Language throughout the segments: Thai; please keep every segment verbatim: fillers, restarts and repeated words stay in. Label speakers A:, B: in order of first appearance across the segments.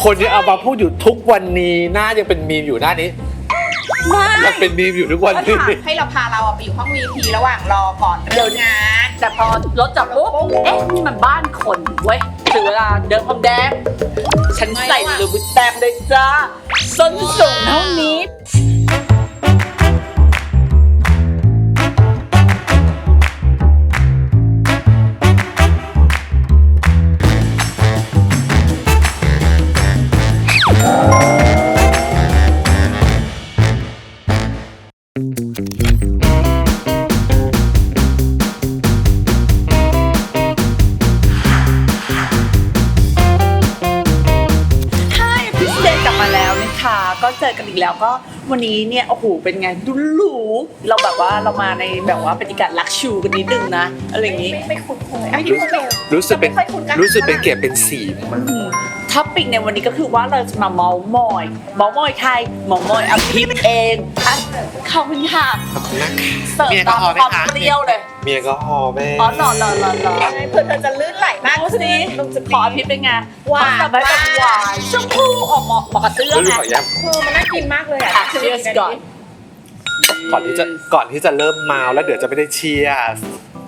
A: คนยังเอามาพูดอยู่ทุกวันนี้หน้ายังเป็นมีมอยู่หน้านี้ยังเป็นมีมอยู่ทุกวันนี้
B: ให้เราพาเราไปอยู่ห้อง วี พี ระหว่างรอก่อนเดินงาน
C: แต่พอรถจอดปุ๊บเอ๊ะนี่มันบ้านคนเว้ยถึงเวลาเดินพรมแดงฉันใส่ลูบิแตงเลยจ้าส้นสูงเท่านี้ก็เจอกันอีกแล้วก็วันนี้เนี่ยโอ้โหเป็นไงดูหรูเราแบบว่าเรามาในแบบว่าบรรยากาศลักชูกันนิดนึงนะอะไรอย่างงี้
B: ไม่คุ้นเคย
A: รู้สึกเป็นรู้สึกเป็นเกียรติเป็นสีมัน
C: ท็อปิกในวันนี้ก็คือว่าเราจะมาเมาส์มอยเมาส์มอยใครเมาส์มอยอภิษเองอ่ะขอบคุณค่ะ
A: ขอบคุณนะคะ
C: เสิร์ฟตามความเปรี้ยวเลย
A: เมียก็หอแม่
C: อ๋อหล่อหล่อหล่อหล่อ
B: เพื่อเธอจะลื่นไหลมาก
C: สิขออภิษเป็นไง
B: หวาน
C: แบบหวานชมพูออกเหมาะเหมาะกับเสื้อไง
B: คือมันน่ากินมากเลยอ่ะ
C: เชียร์ก่อน
A: ก่อนที่จะก่อนที่จะเริ่มเมาแล้วเดี๋ยวจะไม่ได้เชียร์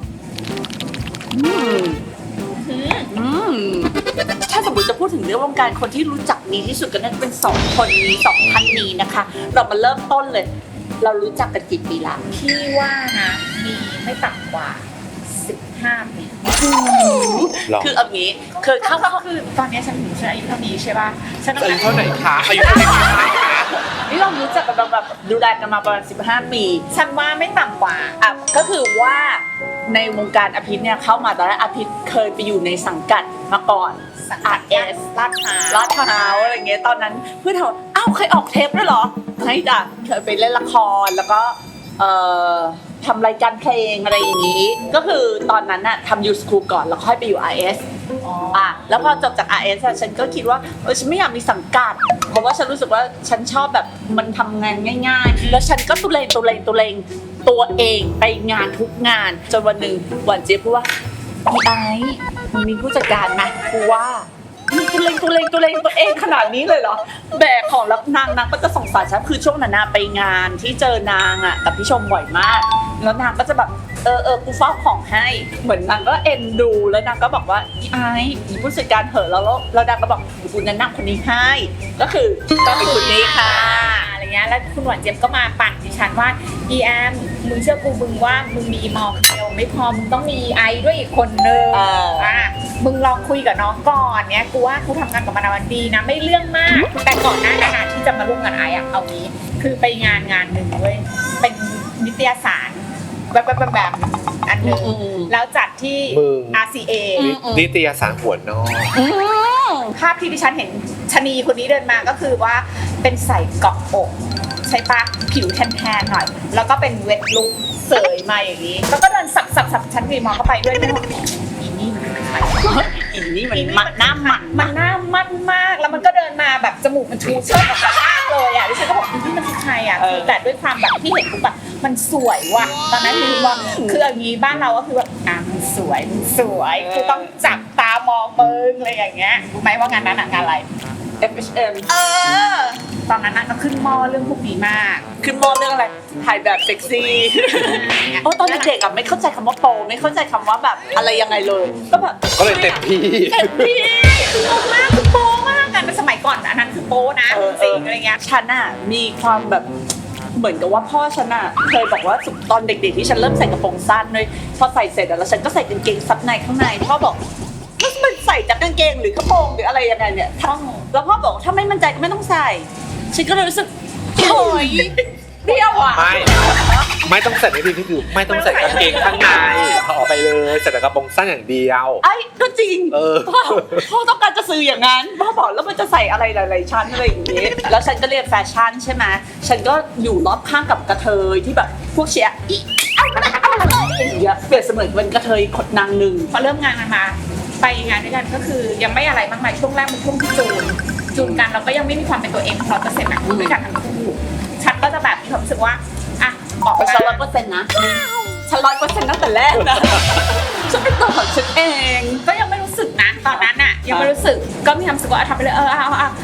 C: ถ้าสมมติจะพูดถึงเรื่องวงการคนที่รู้จักดีที่สุดก็น่าจะเป็นสองคนนี้สองท่านนี้นะคะเรามาเริ่มต้นเลยเรารู้จักกันกี่ปีละ
B: พี่ว่านะมีไม่ต่ำกว่าสิบห้าปี
C: คือเอางี้เคยเข้าก็
B: คือตอนนี้ฉันถึงฉันอายุเท่านี้ใช่ป่ะฉัน
A: อายุเท่าไหร่คะอายุเท่าไหร่คะ
C: นี่เรารู้จักกันแบบดูแลกันมาประมาณสิบห้าปี
B: ฉันว่าไม่ต่ำกว่า
C: อ่ะก็คือว่าในวงการอภิษเนี่ยเข้ามาตอนแรกอภิษเคยไปอยู่ในสังกัดมาก่อนอาร์เอส
B: ลาดพร้าว
C: ลาดพร้าวอะไรเงี้ยตอนนั้นเพื่อนถามอ้าวเคยออกเทปด้วยเหรอไม่จ้ะเคยไปเล่นละครแล้วก็เอ่อทำรายการเพลงอะไรอย่างนี้ก็คือตอนนั้นน่ะทำยูสคูลก่อนแล้วค่อยไปอยู่ อาร์ เอส อ่ะแล้วพอจบจาก อาร์ เอส ฉันก็คิดว่าเออฉันไม่อยากมีสังกัดเพราะว่าฉันรู้สึกว่าฉันชอบแบบมันทำงานง่ายๆแล้วฉันก็ตุเรงตุเรงตุเรงตัวเองไปงานทุกงานจนวันหนึ่งหวานเจี๊ยบพูดว่าพี่ไอ้มันมีผู้จัดการไหมกูว่าตุเรงตุเรงตุเรงตัวเองขนาดนี้เลยเหรอแบกของแล้วนางนางก็จะสงสารฉันคือช่วงนั้นไปงานที่เจอนางอ่ะกับพี่ชมบ่อยมากแล้วนางก็จะแบบเออเออกูเฝ้าของให้เหมือนนางก็เอ็นดูแล้วนางก็บอกว่าไอ้มีผู้จัดการเหอะแล้วแล้วนางก็บอกกูแนะนำคนนี้ให้ก็คือก็เป็นคนนี้ค่ะ
B: อะไรเงี้ยแล้วคุณหวานเจี๊ยบก็มาปั่นดิฉันว่าอีแอมมึงเชื่อกูมึงว่ามึงมีอีมอลเดียวไม่พอมึงต้องมีไอด้วยอีกคนนึงอ่ะมึงลองคุยกับน้องก่อนเนี้ยกูว่ากูทำงานกับมันวันดีนะไม่เรื่องมากแต่ก่อนหน้านั้นที่จะมาร่วมงานไออ่ะเอางี้คือไปงานงานหนึ่งเว้ยเป็นนิตยสารแบบแบบแบบอันนึงแล้วจัดที่ อาร์ ซี เอ
A: นิตยสารหัวนอก
B: ภาพที่ดิฉันเห็นชนีคนนี้เดินมาก็คือว่าเป็นใส่เกาะอกใช่ปะผิวแทนๆหน่อยแล้วก็เป็นเวทลุคเสยมาอย่างนี้แล้วก็เดินสับสับสับชั้นวีมองเข้าไปด้วยนะอีนี่มันใคร
C: อีนี่มันมันหน้ามัน
B: มันหน้ามันมากแล้วมันก็เดินมาแบบจมูกมันชูเชิดออกมาเลยอ่ะดิฉันก็บอกอีนี่มันใครอ่ะแต่ด้วยความแบบที่เห็นปุ๊บแบบมันสวยว่ะตอนนั้นคือว่าคืออย่างนี้บ้านเราก็คือแบบอ่ะมันสวยมันสวยคือต้องจับตามองมึงอะไรอย่างเงี้ยรู้ไหมว่างานนั้นงานอะไร
C: เอฟ เอช เอ็ม
B: เออตอนนั้นน่ะก็ขึ้นมอเรื่องพวกนี้มาก
C: ขึ้นมอเรื่องอะไรถ่ายแบบเซ็กซี่โอ้ตอนเด็กๆอ่ะไม่เข้าใจคำว่าโปไม่เข้าใจคำว่าแบบอะไรยังไงเลยก็แบบ
A: ก็เลยเต็มที่
B: เต็มที่คือโปมากคือโปมากกันสมัยก่อนอันนั้นคือโปนะจริงอะไรเงี้ย
C: ฉันอ่ะมีความแบบเหมือนกับว่าพ่อฉันอ่ะเคยบอกว่าตอนเด็กๆที่ฉันเริ่มใส่กระโปรงสั้นเลยพอใส่เสร็จแล้วฉันก็ใส่กางเกงซับในข้างในพ่อบอกแล้วมันใส่จากกางเกงหรือกระโปรงหรืออะไรยังไงเนี่ยแล้วพ่อบอกถ้าไม่มั่นใจก็ไม่ต้องใส่ฉันก็เลยรู้สึกโอ้ยเปรี้ยวอ่ะ
A: ไม่ไม่ต้องใส่ในที่นี่คือไม่ต้องใส่กางเกงข้างในเขาออกไปเลยใส่แต่กระโปรงสั้นอย่างเดียว
C: ไอ้ก็จริง
A: เออ
C: พ่อต้องการจะสื่ออย่างนั้นพ่อบอกแล้วมันจะใส่อะไรหลายๆชั้นอะไรอย่างนี้แล้วฉันก็เรียนแฟชั่นใช่ไหมฉันก็อยู่รอบข้างกับกระเทยที่แบบพวกเชียร์อีอย่างเงี้ยเปรียบเสมือนเป็นกระเทยขดนางหนึ่ง
B: พอเริ่มงานมาไปงานด้วยกันก็คือยังไม่อะไรมากมายช่วงแรกเป็นช่วงที่จูนจูนกันเราก็ยังไม่มีความเป็นตัวเองเราจะเสร็จแบบด้วยกันทั้งคู่ฉันก็จะแบบมีความรู้สึกว่าอ่ะออก
C: ไปฉันร้อยเปอร์เซ็นต์นะฉันร้อยเปอร์เซ็นต์ตั้งแต่แรกนะฉันเป็นตัวของฉันเอง
B: ก็ยังไม่รู้สึกนะตอนนั้นอ่ะยังไม่รู้สึกก็มีความรู้สึกว่าทำไปเลยเออเอาเอา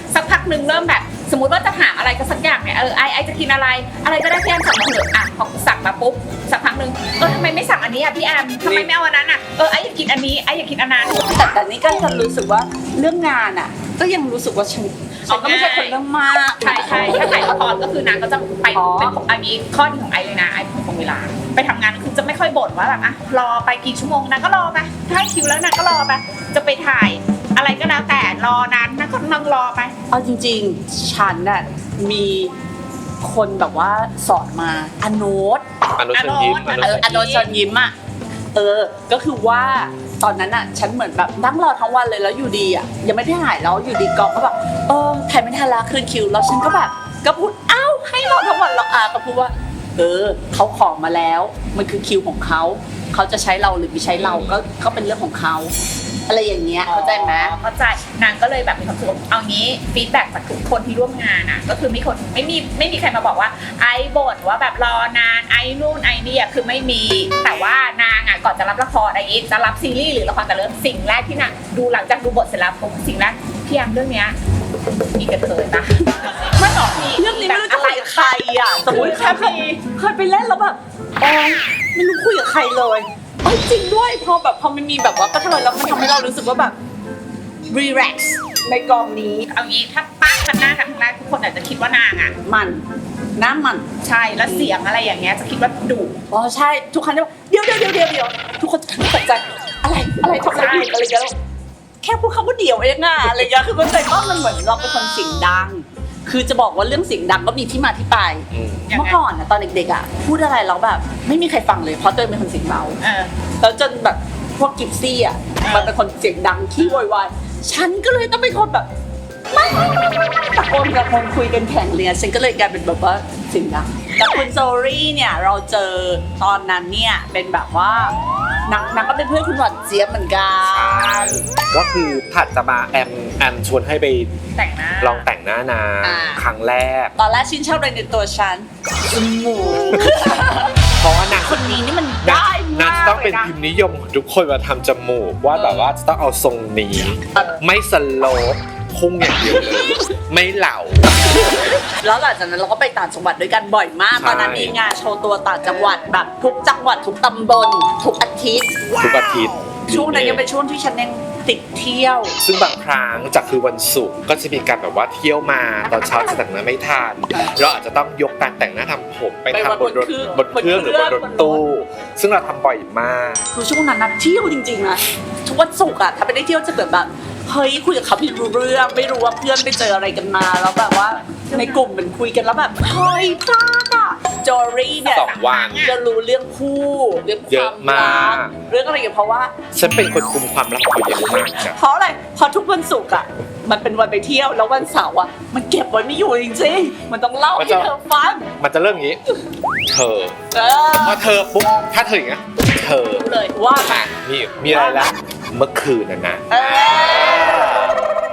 B: หนึ่งเริ่มแบบสมมติว่าจะถามอะไรก็สักอย่างเนี่ยเออไอไอจะกินอะไรอะไรก็ได้พี่แอมสั่งมาเถอะอ่ะพอสั่งมาปุ๊บสักพักหนึ่งเออทำไมไม่สั่งอันนี้อ่ะพี่แอมทำไมไม่เอาอันนั้นอ่ะเออไออยากกินอันนี้ไออยากกินอันนั้น
C: แต่แต่นี่ก็จะรู้สึกว่าเรื่องงานอ่ะ ก็ยังรู้สึกว่าฉันฉันก็ไม่ใช่คนเรื่องมาก
B: ใช่ใช่ถ้าถ่ายละครก็คือนางก็จะไปเป็นอันนี้ข้อดีของไอเลยนะไอเป็นของเวลาไปทำงานคือจะไม่ค่อยบ่นว่าแบบอ่ะรอไปกี่ชั่วโมงนางก็รอไปถ้าให้คิวแล้วนางก็รอไปจะไปถ่ายอะไรก็แล้วแต่รอนานนางก็นั่งรอไป
C: เอาจริงๆฉันน่ะมีคนแบบว่าสอนมาอโนต
A: อนุชนยิ้ม
B: อ
A: อ
B: นุ
A: นุ
C: เอ
A: ช
C: อน อโนตเชิญยิ้มอ่ะเออก็คือว่าตอนนั้นอ่ะฉันเหมือนแบบนั่งรอทั้งวันเลยแล้วอยู่ดีอ่ะยังไม่ได้ถ่ายแล้วอยู่ดีกองก็แบบเออถ่ายไม่ทันละคืนคิวแล้วฉันก็แบบก็พูดเอ้าให้รอทั้งวันแล้วอาก็พูดว่าเออเขาขอมาแล้วมันคือคิวของเขาเขาจะใช้เราหรือไม่ใช้เราก็ก็เป็นเรื่องของเขาอะไรอย่างเงี้ยเข้าใจไหม
B: เข้าใจนางก็เลยแบบมีความสุขเอางี้ฟีดแบ็กจากทุกคนที่ร่วมงานอ่ะก็คือมีคนไม่มีไม่มีใครมาบอกว่าไอ้บ่นว่าแบบรอนานไอ้นู่นไอ้นี่อ่ะคือไม่มีแต่ว่านางอ่ะก่อนจะรับละครไอ้จะรับซีรีส์หรือละครแต่เริ่มสิ่งแรกที่นางดูหลังจากดูบทเสร็จแล้วผมสิ่งแรกพี่แอมเรื่องเนี้ยมีกระเทยปะไม่หรอกมี
C: เรื่องนี้ไม่รู้จะคุยกับใครอ่ะสมมติแค่เคยเคยไปเล่นแล้วแบบโอ้ยไม่รู้คุยกับใครเลยเอ้ยจริงด้วยพอแบบพอมันมีแบบว่าก็ทำไมแล้วมันทำให้เรารู้สึกว่าแบบรีแลกซ์ในกองนี้
B: เอางี้ถ้าตั้งกันหน้ากันครั้งแรกทุกคนอาจจะคิดว่านางอ่ะ
C: มันน้ำมัน
B: ใช่แล้วเสียงอะไรอย่างเงี้ยจะคิดว่าดุ
C: อ๋อใช่ทุกครั้งจะเดี๋ยวเดี๋ยวเดี๋ยวเดี๋ยวเดี๋ยวทุกคนตกใจอะไรอะไรทำอะไรผิดอะไรกันแค่พูดคำว่าเดี๋ยวเองอะอะไรเงี้ยคือมันใจว่ามันเหมือนเราเป็นคนเสียงดัง คือจะบอกว่าเรื่องเสียงดังก็มีที่มาที่ไป
A: อืม
C: เมื่อก่อนอะตอนเด็กๆอะพูดอะไรแล้วแบบไม่มีใครฟังเลยเพราะตัวเองเป็นคนเสียงเบา
B: เออ
C: แล้วจนแบบพวกกิฟซี่อะมันเป็นคนเสียงดังขี้โวยวายฉันก็เลยต้องเป็นคนแบบไม่ตะโกนกับคนคุยกันแข่งเลยฉันก็เลยกลายเป็นแบบว่าเสียงดังกับคุณโซรี่เนี่ยเราเจอตอนนั้นเนี่ยเป็นแบบว่านางนางก็เป็นเพื่อนคุณหวานเจี๊ยบเหมือนกั
A: ใช่
C: น
A: ก็คือถัดจะมาแอมแอมชวนให้ไป
B: แต่งหน้า
A: ลองแต่งหน้านาง
C: อ่า
A: ครั้งแรก
C: ตอนแรกชื่นชอบอะไรในตัวฉันจมูก
A: เพราะว่านาง
C: คนนี้นี่มัน
A: นาง
C: ได้
A: นาง
C: มาก
A: จะต้องเป็น
C: ลยะ
A: พิมพ์นิยมของทุกคนมาทำจมูกว่าแบบว่าจะต้องเอาทรงนี้
C: เออ
A: ไม่สโลปพุ่งอย่างเดียวเลย ไม่เหล่า
C: แล้วหลังจากนั้นเราก็ไปต่างจังหวัดด้วยกันบ่อยมาก
A: ใช่
C: ตอนนั้นมีงานโชว์ตัวต่างจังหวัดแบบทุกจังหวัดทุกตำบลทุกอาทิตย์
A: ทุกอาทิตย์
C: ช่วงนั้นยังเป็นช่วงที่ฉันยังติดเที่ยว
A: ซึ่งบางครั้งจากคือวันศุกร์ก็จะมีการแบบว่าเที่ยวมาตอนเช้าจะแต่งหน้าไม่ทันเราอาจจะต้องยกการแต่งหน้าทำผมไปทำบนรถบนเครื่องหรือบนรถตู้ ซึ่งเราทำบ่อยมาก
C: คือช่วงนั้นนะเที่ยวจริงๆนะทุกวันศุกร์อะถ้าไปได้เที่ยวจะแบบแบบเฮ้ยคุยกับเขาไม่รู้เรื่องไม่รู้ว่าเพื่อนไปเจออะไรกันมาแล้วแบบว่าในกลุ่มมันคุยกันแล้วแบบเฮ้ยพลาดอะจอรี่เนี่ย
A: สองวัน
C: จะรู้เรื่องคู่เรื่องค
A: เย
C: วา
A: อะ
C: ม
A: มาก
C: รักเรื่องอะไรอย่างเงี้ยเพราะว่า
A: ฉันเป็นคนคุมความลับเขาเยอะมากจ้ะ
C: เพราะอะไรเพราะทุกวันศุกร์อะมันเป็นวันไปเที่ยวแล้ววันเสาร์อะมันเก็บไว้ไม่อยู่จริงๆมันต้องเล่าให้เธอฟัง
A: มันจะเริ่มอย่างนี้ เธอ
C: เออ
A: พอเธอปุ๊บถ้าเธออย่างเงี้ยเธอ
C: เลยว่า
A: อ่ะนี่มีอะไรละเมื่อคืนน่ะนะ
C: เออ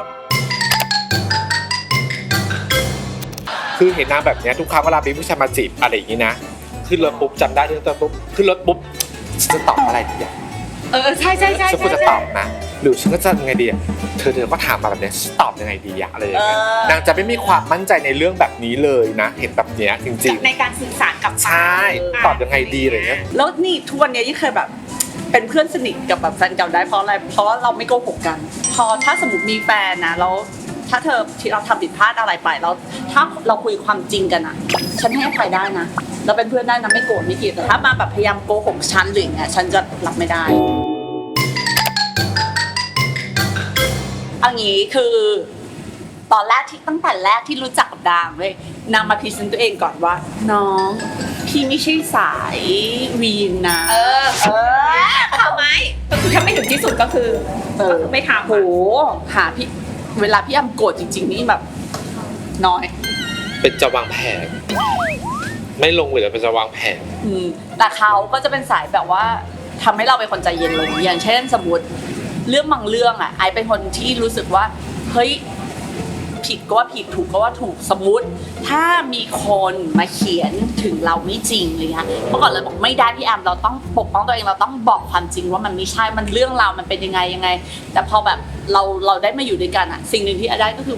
A: คือเห็นนางแบบเนี้ยทุกครั้งเวลามีผู้ชายมาจีบอะไรอย่างงี้นะขึ้นรถปุ๊บจำได้เรื่องตัวปุ๊บขึ้นรถปุ๊บฉันจะตอบอะไรดีอ่ะ
B: เออใช่ใช่ใช่
A: ฉันควรจะตอบนะหรือฉันก็จะยังไงดีอ่ะเธอเธอก็ถามมาแบบเนี้ยฉันตอบยังไงดีอะอะไรอย่างเงี้ย
C: เออ
A: นางจะไม่มีความมั่นใจในเรื่องแบบนี้เลยนะ เห็นแบบเนี้ยจริง
B: ในการสื่อสารกับ
A: ๆใช่ตอบยังไงดีอะไรเงี้ย
C: แล้วนี่ทุกวันนี้ยังเคยแบบเป็นเพื่อนสนิทกับแบบแฟนเก่าได้เพราะอะไรเพราะว่าเราไม่โกหกกัน พอถ้าสมมติมีแฟนนะแล้วถ้าเธอที่เราทำผิดพลาดอะไรไปแล้วถ้าเราคุยความจริงกันอ่ะ ฉันให้อภัยได้นะเราเป็นเพื่อนได้นะไม่โกรธไม่เกลียดแต่ถ้ามาแบบพยายามโกหกฉันหรืออย่างเงี้ยฉันจะรับไม่ได้เอางี้คือตอนแรกที่ตั้งแต่แรกที่รู้จักกับดางเลยนางมาพรีเซนต์ตัวเองก่อนว่า น้องพี่ไม่ใช่สายวีนนะ
B: เออเออทำไหมก็คือถ้าไม่ถึงที่สุดก็คือ
C: เออ
B: ก็คือไม่ทำ
C: โหหาพี่เวลาพี่อ้ำโกรธจริง ๆ นี่แบบน้อย
A: เป็นจะวางแผนไม่ลงเลยเป็นจะวางแผน
C: อืมแต่เขาก็จะเป็นสายแบบว่าทำให้เราเป็นคนใจเย็นลงอย่างเช่นสมมติเรื่องบางเรื่องอ่ะไอเป็นคนที่รู้สึกว่าเฮ้ยผิดก็ว่าผิดถูกก็ว่าถูกสมมติถ้ามีคนมาเขียนถึงเราไม่จริงเลยค่ะเมื่อก่อนเราบอกไม่ได้พี่แอมเราต้องปกป้องตัวเองเราต้องบอกความจริงว่ามันไม่ใช่มันเรื่องราวมันเป็นยังไงยังไง แต่พอแบบเราเราได้มาอยู่ด้วยกันอ่ะสิ่งหนึ่งที่ไอได้ก็คือแบบ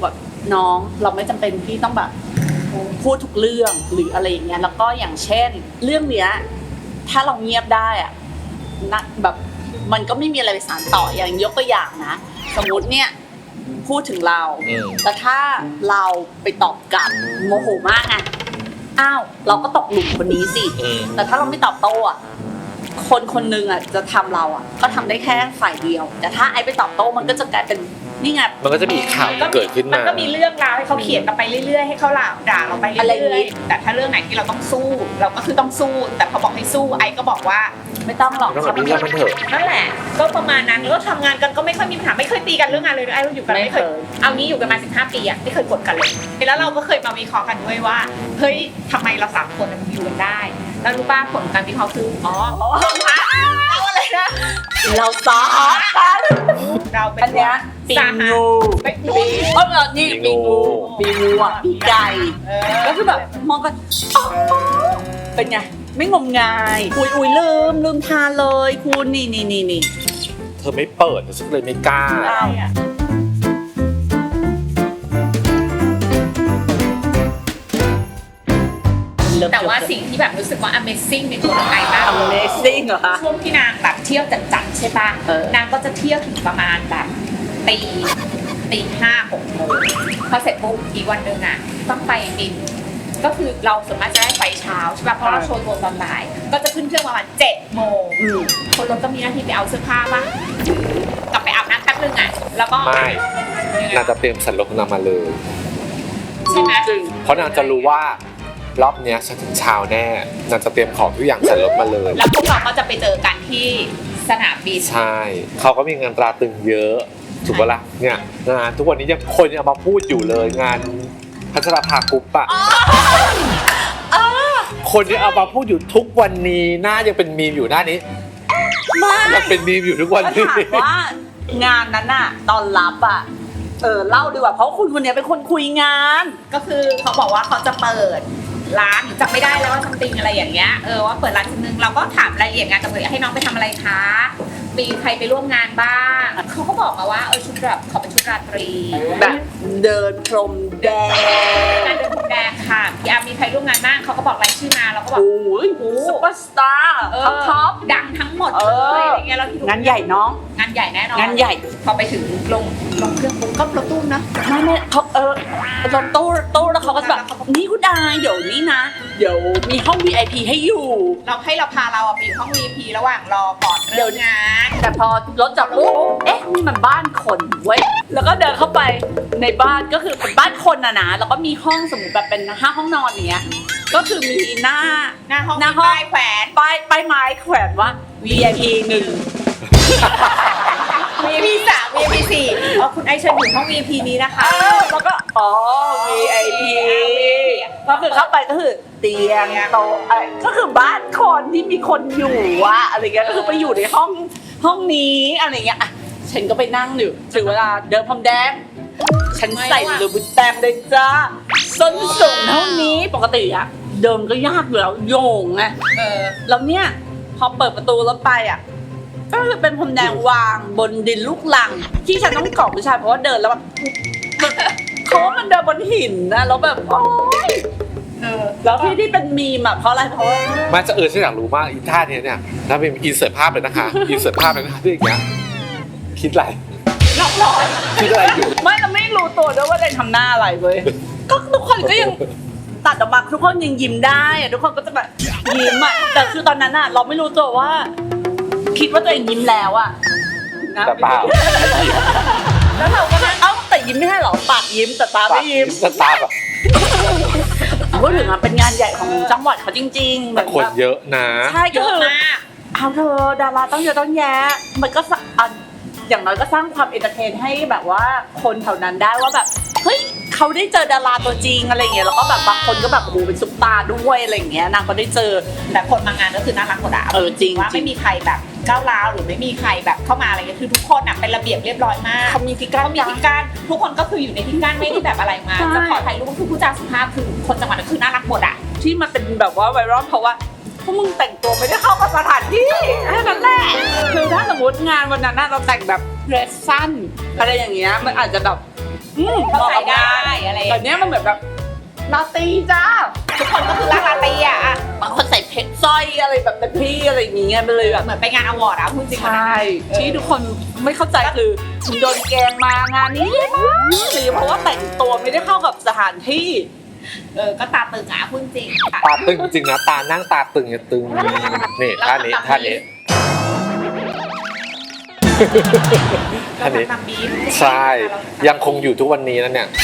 C: น้องเราไม่จำเป็นที่ต้องแบบพูดทุกเรื่องหรืออะไรอย่างเงี้ยแล้วก็อย่างเช่นเรื่องเนี้ยถ้าเราเงียบได้อะนะแบบมันก็ไม่มีอะไรไปสานต่ออย่างยกตัวอย่างนะสมมติเนี่ยพูดถึงเรา
A: อืม
C: แต่ถ้าเราไปตอบกลับโมโหมากไงอ้าวเราก็ตกหลุมคนนี้สิ
A: อืม
C: แต่ถ้าเราไม่ตอบโต้อะคนคนหนึงอะจะทำเราอะก็ทำได้แค่ฝ่ายเดียว แต่ถ้าไอ้ไปตอบโต้มันก็จะกลายเป็นนี่ไง
A: มันก็จะมีข่าวเกิดขึ้น
B: มัน
A: มา
B: ก็มีเรื่องราวให้เขาเขียนกันไปเรื่อยๆให้เขาด่าด่าเราไป
C: อะไรอ
B: เรื่
C: ย่าง
B: อย
C: งี้
B: ๆแต่ถ้าเรื่องไหนที่เราต้องสู้ เราก็คือต้องสู้ แต่พอบอกให้สู้ไอ้ก็บอกว่า
C: ไม่ต้องหรอก
A: ต้องแบบนี้มันเถอะ
B: นั่นแหละ ก็ประมาณนั้นก็ทำงานกันก็ไม่ค่อยมีปัญหาไม่เคยตีกันเรื่องงานเลยไอ้เราอยู่กันไม่เคยเอางี้อยู่กันมาสิบห้าปีอะไม่เคยกดกันเลยแล้วเราก็เคยมาวิเคราะห์กันด้วยว่าเฮ้ยทำไมเราสามคนมันอยู่กันได้แล้วรู้ป่ะผลการวิเคราะห์คืออ๋อเราอะไรนะ
C: เราสากัน
B: เราเป็น
C: อันเนี้ยปี
B: สาหะ
C: งู
B: ไป
C: ปี
B: ปี
C: เออนี่ปีงูปีงูอ่ะปีไก่
B: เออ
C: ก็คือแบบมองกันอ๋อเป็นไงไม่งมงายอุ้ยอุ้ยลืมลืมทานเลยคุณนี่นี่นี่นี่
A: เธอไม่เปิดฉันเลยไม่กล้า
B: ได้อะแต่ว่าสิ่งที่แบบรู้สึกว่า amazing ในตัวน้องไก่มาก
C: Amazing เหรอคะ
B: ช่วงที่นางแบบเที่ยวจัดๆใช่ปะ
C: เออ
B: นางก็จะเที่ยวถึงประมาณแบบตีตีห้าหกโมงพอเสร็จปุ๊บอีกวันหนึ่งอ่ะต้องไปบิน ก็คือเราสามารถจะได้ไปเช้าใช่ปะเพราะเราโชว์ตัวตอนบ่ายก็จะขึ้นเครื่องประมาณเจ็ดโมง
C: อืม
B: คนรถก็มีหน้าที่ไปเอาเสื้อผ้าป่ะกลับไปอาบน้ำแป๊บนึงอ่ะแล้วก็
A: ไม่
B: ยังไง
A: นางจะเตรียมสันลกนางมาเลย
B: ใช่ไหม
C: จริง
A: เพราะนางจะรู้ว่ารอบเนี้ยฉันถึงเช้าแน่นางจะเตรียมของทุกอย่างสันลกมาเลย
B: แล้วพวกเราก็จะไปเจอกันที่สนามบิน
A: ใช่ เขาก็มีงานตราตรึงเยอะ ถูกปะล่ะ เนี่ยงานทุกวันนี้ยังคนยังเอามาพูดอยู่เลย งานพัชรภากรุ๊ปอะคนยังเอามาพูดอยู่ทุกวันนี้หน้ายังเป็นมีมอยู่หน้านี้
C: ไม่
A: ยังเป็นมีมอยู่ทุกวัน
C: ก็
A: นี้
C: ถามว่างานนั้นน่ะตอนรับอ่ะเออเล่าดีกว่าเพราะคุณคนเนี้ยเป็นคนคุยงาน
B: ก็คือเขาบอกว่าเขาจะเปิดร้านจำไม่ได้แล้วว่าซัมติงอะไรอย่างเงี้ยเออว่าเปิดร้านชิ้นนึงเราก็ถามรายละเอียดงานกับเธอให้น้องไปทำอะไรคะมีใครไปร่วมงานบ้างเขาก็บอกมาว่าเออชุดแบบขอเป็นชุดราตรี
C: แบบเดินพรมแดง
B: งานเดินพรมแดงค่ะพี่อาร์มีใครร่วมงานบ้างเขาก็บอกรายชื่อมาเราก็บอก
C: โอ้ยซุปเปอร์สตาร์
B: เออ
C: ท็อปท็อป
B: ดังทั้งหมด
C: เอ
B: เล
C: อ
B: ยอะไรเงี้ยเราคิดว่
C: งานใหญ่น้อง
B: งานใหญ่แน่นอน
C: งานใหญ่
B: พอไปถึงลงลงเครื่องปุ๊บก็รถตู้นะ
C: ไม่ไม่เขาเออตอนตู้ตู้แล้วเขาก็จะแบบนี่คุณดายเดี๋ยวนี้นะ เดี๋ยวมีห้อง วี ไอ พี ให้อยู่
B: เราให้เราพาเราอะไปอยู่ห้อง วี ไอ พี ระหว่างรอก่อนเริ่มงาน
C: แต่พอรถจอดปุ๊บเอ๊ะนี่มันบ้านคนเว้ยแล้วก็เดินเข้าไปในบ้านก็คือเป็นบ้านคนนะนะแล้วก็มีห้องสมมติแบบเป็นห้าห้องนอนอย่างเงี้ยก็คือมีหน้า
B: หน้าห้อง
C: หน้าห้อง
B: ป้ายแขวน
C: ป้ายป้ายไม้แขวนว่า วี ไอ พี หนึ่ง
B: วี ไอ พี สาม วี ไอ พี สี่อ๋อคุณไอเชิญอยู่ห้อง วี ไอ พี นี้นะคะ
C: เออแล้วก็อ๋อ วี ไอ พี ก็คือเข้าไปก็คือเตียงโต๊ะอะไรก็คือบ้านคนที่มีคนอยู่วะอะไรเงี้ยก็คือไปอยู่ในห้องห้องนี้อะไรเงี้ยอ่ะฉันก็ไปนั่งอยู่ถึงเวลาเดินพรมแดงฉันใส่ลูบุตแตมเลยจ้าส้นสูงเท่านี้ปกติอะเดินก็ยากอยู่แล้วโยงไง
B: เออ
C: แล้วเนี่ยพอเปิดประตูรถไปอ่ะก็คือเป็นพรมแดงวางบนดินลูกลัง ที่ฉันต้องกอดผู้ชายเพราะว่าเดินแล้วแบบเขาว่ามันเดินบนหินนะแล้วแบบโอ๊ย
B: เออ
C: แล้วที่ที่เป็นมีมอ่ะเพราะอะไรเพราะว่า
A: มาจะเออฉันอยากรู้มากอีท่าเนี้ยเนี่ยถ้าเป็นอินเสิร์ตภาพเลยนะคะ อินเสิร์ตภาพเลยนะคะที่อย่างเงี้ย คิดอะไร
B: ล็อกร้อย
A: คิดอะไรอยู่
C: ไม่เราไม่รู้ตัวด้วยว่าเดนทำหน้าอะไรเว้ยก็ทุกคนก็ยังตัดออกมาทุกคนยังยิ้มได้อะทุกคนก็จะแบบยิ้มอ่ะแต่คือตอนนั้นอ่ะเราไม่รู้ตัวว่า คิดว่าตัวเองยิ้มแล้วอ่ะนะ
A: แต่เปล่า
C: แล้วเราก็เอ้าแต่ยิ้มไม่ใช่เหรอปากยิ้มแต่ตาไม่ยิ้ม
A: แต่ตาแบบ
C: พูดถึงอ่ะเป็นงานใหญ่ของจังหวัดเขาจริงๆเหมื
A: แต่
C: อน
A: คน
C: แบบ
A: เยอะนะ
C: ใช่
B: เย
C: ก็
B: อะ
C: คือ
B: มาก
C: เอาเธอดาราต้องเยอะต้องแยะมันก็สะอ่ะอย่างน้อยก็สร้างความเอนเตอร์เทนให้แบบว่าคนแถวนั้นได้ว่าแบบเฮ้ยเขาได้เจอดาราตัวจริงอะไรอย่างเงี้ยแล้วก็แบบบางคนก็แบบโอ้โหเป็นซุปตาร์ด้วยอะไรอย่างเงี้ยนางก็ได้เจอ
B: แต่คนมางานก็คือน่ารักหมดอะ
C: เออจริง
B: ว่าไม่มีใครแบบก้าวร้าวหรือไม่มีใครแบบเข้ามาอะไรเงี้ยคือทุกคนอะเป็นระเบียบเรียบร้อยมาก
C: เขามีที่กั้น
B: เขามีที่กั้นทุกคนก็คืออยู่ในที่กั้นไม่ได้แบบอะไรมา
C: ใช่
B: จะขอถ่ายรูปก็คือผู้จาสุภาพคือคนจังหวัดนั้นคือน่ารักหมดอะ
C: ที่มันเป็นแบบว่าไวรัลเพราะว่าพวกมึงแต่งตัวไม่ได้เข้ากับสถานที่แค่นั้นแหละคือถ้าสมมติงานวันนั้นน่ะเราแต่งแบบเดรสสั้นอะไรอย่างเงี้ยมันอาจจะแบบอืม
B: ก็ใส่ได้อะไร
C: แต่เนี้ยมันเหมือนแบบลาตีจ้า
B: ทุกคนก็คือรักลาตีอ่ะ
C: บางคนใส่เพชรสร้อยอะไรแบบเป็นพี่อะไรอย่างเงี้ยไปเลยแบบ
B: เหมือนไปงานอวอร์ดอ่ะพูดจริง
C: ใช่ที่ทุกคนไม่เข้าใจคือโดนแกงมางานนี้เลยมั้งหรือเพราะว่าแต่งตัวไม่ได้เข้ากับสถานที่
B: เออก็ตาตึงอ่ะพูดจริงค่ะ
A: ตาตึงจริงนะตานั่งตาตึงอย่าตึงนี่ท่านี้ท่านี้
B: เราทำตามบีฟ
A: ใช่ยังคงอยู่ทุกวันนี้นะเนี่ย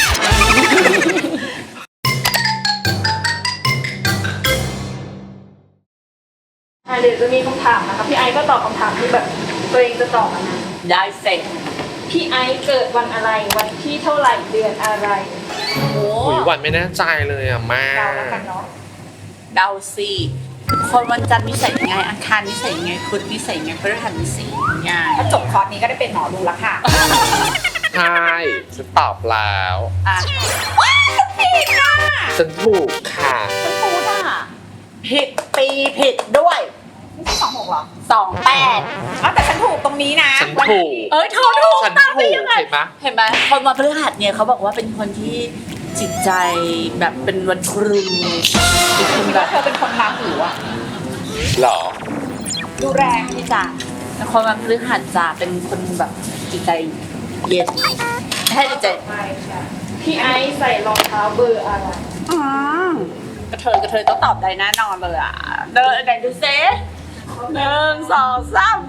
D: อ่ะเดี๋ยวจะมีคำถามนะคะพี่ไอซ์ก็ตอบคำถามที่แบบตัวเองจะตอบอะนะ
C: ได้เสร็จ
D: พี่ไอซ์เกิดวันอะไรวันที่เท่าไหร่เดือนอะไร
C: โอ้
A: หุยวันไม่แน่ใจเลยอ่ะแม่
B: เดาแล้วกันเนาะ
C: เดาสิคนวันจันทร์นิสัยยังไงอังคารนิสัยยังไงพุธนิสัยยังไงพฤหัสนิสัยยังไง
B: ถ้าจบคอร์สนี้ก็ได้เป็นหมอดูแล้วค่ะ
A: ใช่ฉันตอบแล้ว
C: อ่ะ
B: ผิดอ่ะ
A: ฉันถูกค่ะ
C: ฉันพูดอ่ะผิดปีผิดด้วย
B: ไม่ใช่สองหกหรอ
C: สองแปด
B: อ๋อแต่ฉันถูกตรงนี้นะ
A: ฉันถูก
C: เอ้ยเธอถูก
A: ฉัน
C: ตาม
A: ถู
C: ได้
A: ก
C: ยังไง
A: เห็นไหม
C: เห็นไหมคนมาพฤหัสเนี่ยเขาบอกว่าเป็นคนที่จิตใจแบบเป็นวันครูเป็นคน
B: คิด
C: แบ
B: ว่า
C: บ
B: เธอเป็นคนราหูอ่ะ
A: หรอ
B: ดูแรง
C: นี่จ้ะเป็นคนมาพฤหัสจ้ะเป็นคนแบบจิตใจเย็นให้จิตใจ
D: ไปค่ะพี่ไอซ์ใส่รองเท้าเบอร์อะไร
C: อืมกระเทยกระเทยต้องตอบได้แน่นอนเลยอ่ะเดินไหนดูเซหนึ่งสองสาม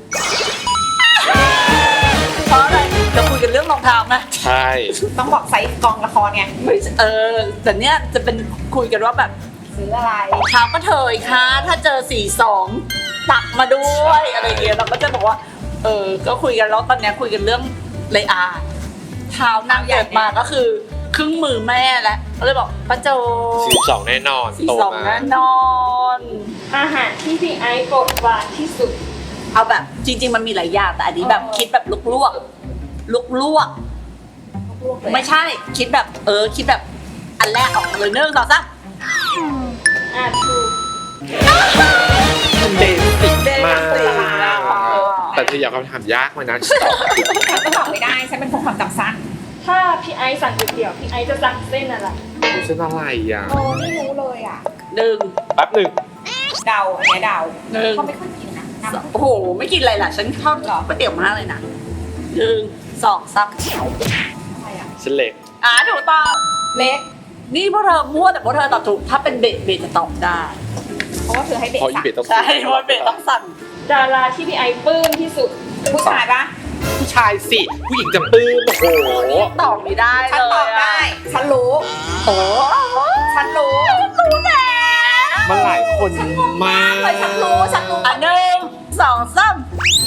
C: เพราะอะไรจะคุยกันเรื่องรองเท้าไหม
A: ใช่
B: ต้องบอกไซส์กองละครไง
C: ไม่ใช่เออแต่เนี้ยจะเป็นคุยกันว่าแบบ
B: ซื้ออะไร
C: เท้าก็เทยค่ะถ้าเจอสี่สองตักมาด้วยอะไรเงี้ยเราก็จะบอกว่า เออก็คุยกันแล้วตอนเนี้ยคุยกันเรื่องเลอาเท้านางเกิดมาก็คือครึ่งมือแม่แล้วก็เลยบอกป้าโจ
A: สี่สองแน่นอน
C: สี่
A: โต
C: สอง
A: มา
C: แน่นอน
D: อาหารที่พี่ไอซ์โปรดปรานที่สุด
C: เอาแบบจริง ๆ มันมีหลายอย่างแต่อันนี้แบบคิดแบบลุกลวกลุกลวกไม่ใช่คิดแบบเออคิดแบบอันแรกออกมาเลยเนื่องต่อซะ
D: อ่ะถูก
A: เบสิกมาก
C: เบสิกมาก
A: แต่เธออยากคำถามยากไหมนะฉันตอบผิด
B: ฉันก็ตอบไม่ได้ ฉันเป็นคนความจำสั้น
D: ถ้าพี่ไอซ์สั่งก๋วยเตี๋ยวพี่ไอซ์จะสั่งเส้นอะไร
A: รู้ฉันอะไรอ่ะ
B: โอ้ไม่รู้เลยอ่ะ
C: หนึ่ง
A: แป๊บหนึ่ง
B: เดาอันเนี้ยเดา
C: หนึ่ง
B: เขาไม่ค่อยกินนะน้ำ
C: โอ้โหไม่กินอะไรล่ะฉันชอบก๋วยเตี๋ยวมากเลยนะหนึ่งสองสาม
B: อะไรอ่ะ
A: ฉันเล็ก
C: อ่าถูกต้อง
B: เล็ก
C: นี่พวกเธอมั่วแต่พวกเธอตอบถูกถ้าเป็นเบสเบสจะตอบได้
B: เพราะว่าเธอให้เด็ก
A: เพราะอี
B: สั่ง
A: เบตต้อง
C: ใช่เพราะเบสต้องสั่ง
D: ดาราที่พี่ไอซ์ปลื้มที่สุด
B: ผู้ชายปะ
A: ผู้ชายสิ ผู้หญิงจะปื้มโอ้โห
C: ตอบไม่ได้
B: ฉัน
C: เลย
B: ตอบได้ ฉันรู้
C: โอ้โห
B: ฉันรู้
C: รู้แล้ว
A: มันหลายคนมาก
B: เลยฉันรู้ ฉันรู้
C: อันหนึ่งสองสาม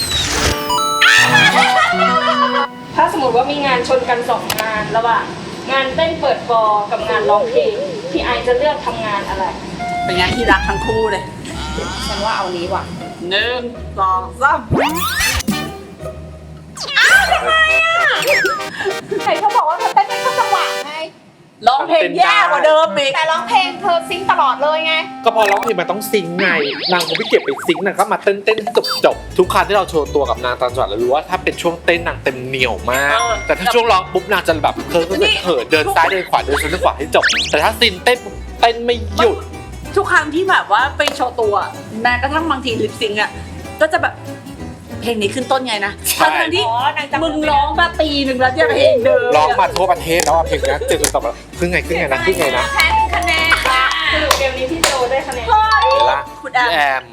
D: ถ้าสมมติว่ามีงานชนกันสองงานระหว่างงานเต้นเปิดฟอร์กับงานร้องเพลงพี่ไอซ์จะเลือกทำงานอะไร
C: เป็นไงที่รักทั้งคู่เลย
B: ฉันว่าเอานี้ว่ะ
C: หนึ่งสองสาม
B: ไหนเธอบอกว่าเธอเต้นไม่เข้าจังหวะไง
C: ร้องเพลงแย่กว่าเดิมอีก
B: แต่ร้องเพลงเธอซิงค์ตลอดเลยไง
A: ก็พอร้องเพลงมันต้องซิงค์ไง นางคงไม่เก็บไปซิงค์นางก็มาเต้นเต้นจบจบๆทุกครั้งที่เราโชว์ตัวกับนางตอนจังหวะเรารู้ว่าถ้าเป็นช่วงเต้นนางเต็มเหนียวมาก แต่ถ้าช่วงร้องปุ๊บนางจะแบบเคิร์ฟเขินเดินซ้ายเดินขวาเดินซ้ายเดินขวาให้จบ แต่ถ้าซินเต้นปุ๊บเต้นไม่หยุด
C: ทุกครั้งที่แบบว่าไปโชว์ตัวแม้กระทั่งบางทีลิปซิงก์อ่ะก็จะแบบเพลงนี้ขึ้นต้นไงนะ
A: ใช่
C: ทั้งๆที่
B: อ๋อนางจำ
C: มึงร้องมาปีหนึ่งแล้วเนี่ยเพลงเดิม
A: ร้องมาทั่วประเทศแล้วอะเพลงนี้เจอคนตอบแบบขึ้นไงขึ้นไงนะขึ้นไงนะ
B: แพ้หนึ่งคะแนนค่ะ
D: สรุปเกมนี้พี่โจได้คะแนน
C: เฮ้ย
A: เห็นละ
C: คุณแอ
A: พี่แอ
C: ม
A: ม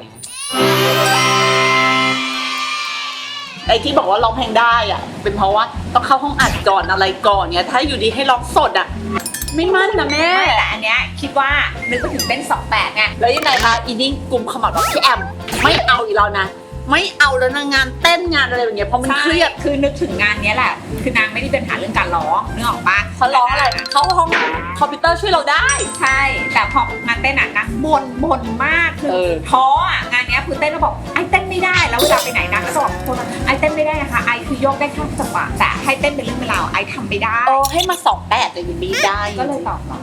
C: ไอ้ที่บอกว่าร้องเพลงได้อ่ะ เป็นเพราะว่าต้องเข้าห้องอัดก่อนอะไรก่อนเนี่ยถ้าอยู่ดีให้ร้องสดอ่ะ ไม่มั่นนะแม่
B: ไม่แต่อันเนี้ยคิดว่านึกไปถึงเต้นสองแปดไง
C: แล้วยังไงคะอีนี่กลุ่มขมับว่าพี่แอมไม่เอาอีกแล้วนะ ไม่เอาแล้วนะงานเต้นงานอะไรอย่างเงี้ยเพราะมันเครียด
B: คือนึกถึงงานเนี้ยแหละ คือนางไม่ได้เป็นปัญหาเรื่องการร้องนึกออกปะ
C: เขาร้องอะไรเขาห้องคอมพิวเตอร์ช่วยเราได้
B: ใช่ แต่พองานเต้นอ่ะนางบ่นบ่นมากคือ
C: เออ
B: ท้ออ่ะงานเนี้ยคือเต้นแล้วบอกไอ้เต้นไม่ได้แล้วเวลาไปไหนนางก็จะบอกคนว่าไอ้เต้นไม่ได้นะคะไอ้คือยกได้แค่จังหวะแต่ให้เต้นเป็นเรื่องเป็นราวไอ้ทำไม่ได้
C: โอ้ให้มาสองแปดเลยยังไม่ได้
B: ก็เลยตอบเรา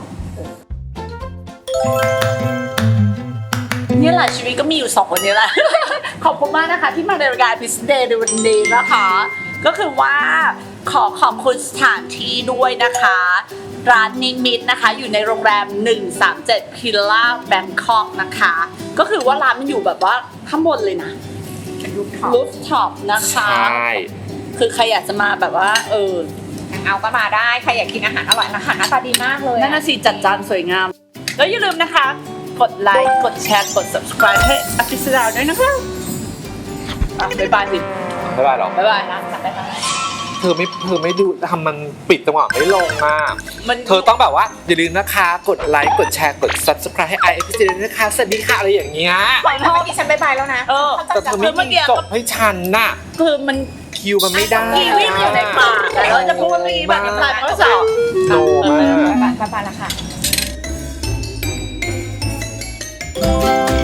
C: เนี่ยแหละชีวิตก็มีอยู่สองคนนี้แหละ ขอบคุณมากนะคะที่มาในรายการพิสเดย์ในวันนี้นะคะ ก็คือว่าขอขอบคุณสถานที่ด้วยนะคะ ร้านนิมิตนะคะ อยู่ในโรงแรม หนึ่งสามเจ็ด พิลล่าแบงคอกนะคะ ก็คือว่าร้านมันอยู่แบบว่าข้างบนเลยนะ
B: เป็นรูปท็อป
C: รูฟท็อปนะ
A: ใช
C: คะ
A: ่
C: คือใครอยากจะมาแบบว่า เออ
B: เอาก็มาได้ใครอยากกินอาหารอร่อยอาหารหน้าตาดีมากเลย
C: นั่นน่ะสิจัดจานสวยงาม แล้วอย่าลืมนะคะ กดไลค์ กดแชร์ กด subscribe ให้อภิสดาด้วยนะคะอ่ะบ๊ายบายสิ
A: ไม่ได้หรอก
C: บ๊ายบาย
B: ร้านจัดได้ไหม
A: เธอไม่เธอไม่ดูทำมันปิดจังหวะไม่ลงมาก
C: มัน
A: เธอต้องแบบว่าอย่าลืมนะคะ กดไลค์ กดแชร์ กด subscribe ให้ ไอ เอฟ ซี ด้วยนะคะ สวัสดีค่ะอะไรอย่างเงี้ย
B: ปล่อยพ่อดิฉันบายบายแล้วนะ
C: เออ
A: แต่เธอไม่มีจบให้ฉันน่ะ
C: คือมัน
A: คิวมันไม่ได้
C: กีวิ่งอยู่ในปากแต่เราจะพูดเมื่อกี้แบบน้ำลายมันก็สอบ
A: โนมาก
B: บายบายบายบายแล้วค่ะ